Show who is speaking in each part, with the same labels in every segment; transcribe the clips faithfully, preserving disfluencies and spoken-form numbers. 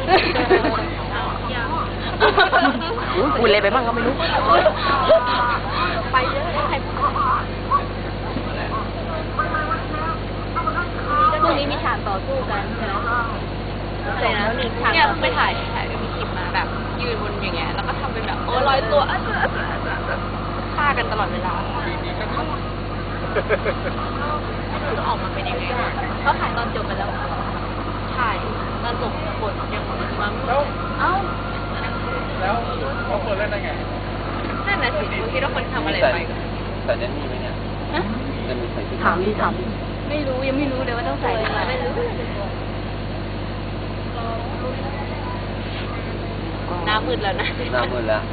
Speaker 1: พูดอะไรไปบ้างก็ไม่รู้
Speaker 2: ไปเยอะใครพวกนี้มีฉากต่อสู้กันใช่ไหมใช่นะเนี่ยไปถ่ายถ่ายก็มีคลิปมาแบบยืนบนอย่างเงี้ยแล้วก็ทำเป็นแบบโอ้ลอยตัวฆ่ากันตลอดเวลาจะออกมาเป็นยังไงเขาถ่ายตอนจบไปแล้วถ่ายตอนจบบทยังมาไม่เอ้า
Speaker 3: แล้วเขาเปิดเล่นได้ไง
Speaker 2: นั่นน่ะสิคุณคิดว่าคนทำอะไรไป
Speaker 3: ใส่แดนนี่ไหมเนี่ยจะมีใส่
Speaker 1: ถามดิถาม
Speaker 2: ไม่รู้ยังไม่รู้เลยว่าต้องใส่อะไรไม่รู้หน้ามืดแล้วนะ
Speaker 3: หน้ามืดแล้ว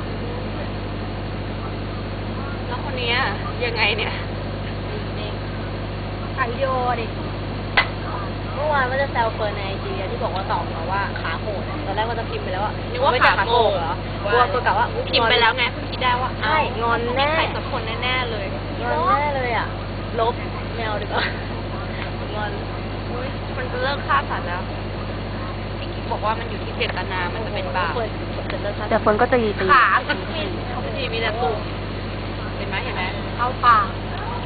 Speaker 2: แล้วคนนี้ยังไงเนี่ยถ่ายวิดีโอดิเมื่อวานว่าจะแซวเฟิร์นในไอจีที่บอกว่าตอบมาว่าขาโหดตอนแรกว่าจะพิมพ์ไปแล้วว่านึกว่าขาโหดเหรอกลัวตัวกะว่าพิมพ์ไปแล้วไงคิดได้ว่าใช่งอนแน่ใครสักคนแน่ๆเลยงอนแน่เลยอ่ะลบแมวดีกว่างอนมันจะเลิกฆ่าสัตว์แล้วพี่กิ๊กบอกว่ามันอยู่ที่เจตนามันจะเป็นบาป
Speaker 1: แต่ฝนก็ตีตี
Speaker 2: ขาสักทีเขาไม่ดีมีแต่ตุ่มเห็นไหมเห็นไหมเข้าปาก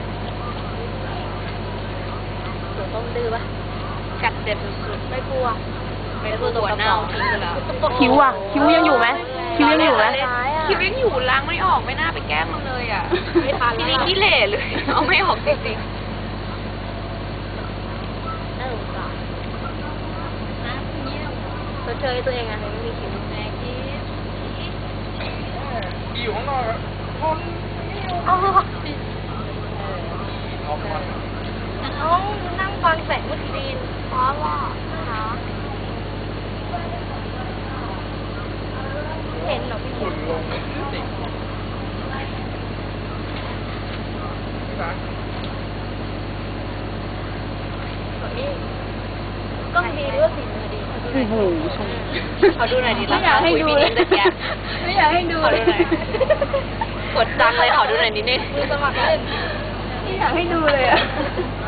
Speaker 2: ตัวต้มดื้อปะกัดเจ็บสุดๆไม่กลัวไม่กลัวตัวเน่าทิ้งไปแล้ว
Speaker 1: คิ้วอ่ะคิ้วยังอยู่ไหมคิ้วยังอยู่ไหม
Speaker 2: คิ้วยังอยู่ล้างไม่ออกไม่น่าไปแกล้งมันเลยอ่ะทีนี้ขี้เหร่เลยเอาไม่ออกจริงๆน่าสงสารนะนี่เราเจอตัวเองอ่ะไม่มีคิ้วแม่คิ้ว
Speaker 3: อยู่ข้างนอกทน
Speaker 2: อ๋อน้องนั่งฟังแสงมุดดินเพราะว่าเห็นหรอพี่
Speaker 3: ฝุ่นลงติด
Speaker 2: ก็ดีด้วยสิดี
Speaker 1: โอ้โหชม
Speaker 2: ขอดูหน่อยดิไม่อยากให้ดูเลยไม่อยากให้ดูเลยกดจังเลยขอดูหน่อยนิดนึงมือสมัครเล่นไม่อยากให้ดูเลยอ่ะ